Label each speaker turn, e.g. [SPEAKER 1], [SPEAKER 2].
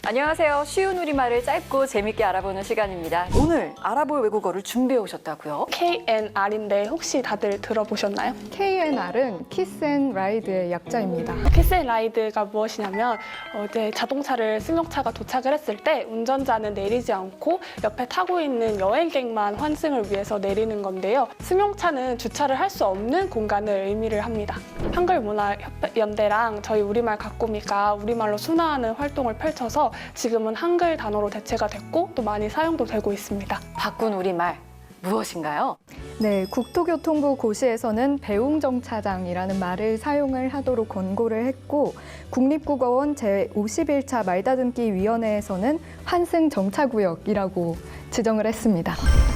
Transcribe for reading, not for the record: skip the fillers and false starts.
[SPEAKER 1] 안녕하세요. 쉬운 우리말을 짧고 재밌게 알아보는 시간입니다. 오늘 알아볼 외국어를 준비해 오셨다고요?
[SPEAKER 2] KNR인데 혹시 다들 들어보셨나요?
[SPEAKER 3] KNR은 키스 앤 라이드의 약자입니다.
[SPEAKER 2] 키스 앤 라이드가 무엇이냐면 이제 자동차를 승용차가 도착을 했을 때 운전자는 내리지 않고 옆에 타고 있는 여행객만 환승을 위해서 내리는 건데요. 승용차는 주차를 할 수 없는 공간을 의미를 합니다. 한글문화연대랑 저희 우리말 가꾸미가 우리말로 순화하는 활동을 펼쳐서 지금은 한글 단어로 대체가 됐고 또 많이 사용도 되고 있습니다.
[SPEAKER 1] 바꾼 우리말 무엇인가요?
[SPEAKER 3] 네, 국토교통부 고시에서는 배웅정차장이라는 말을 사용을 하도록 권고를 했고 국립국어원 제51차 말다듬기 위원회에서는 환승정차구역이라고 지정을 했습니다.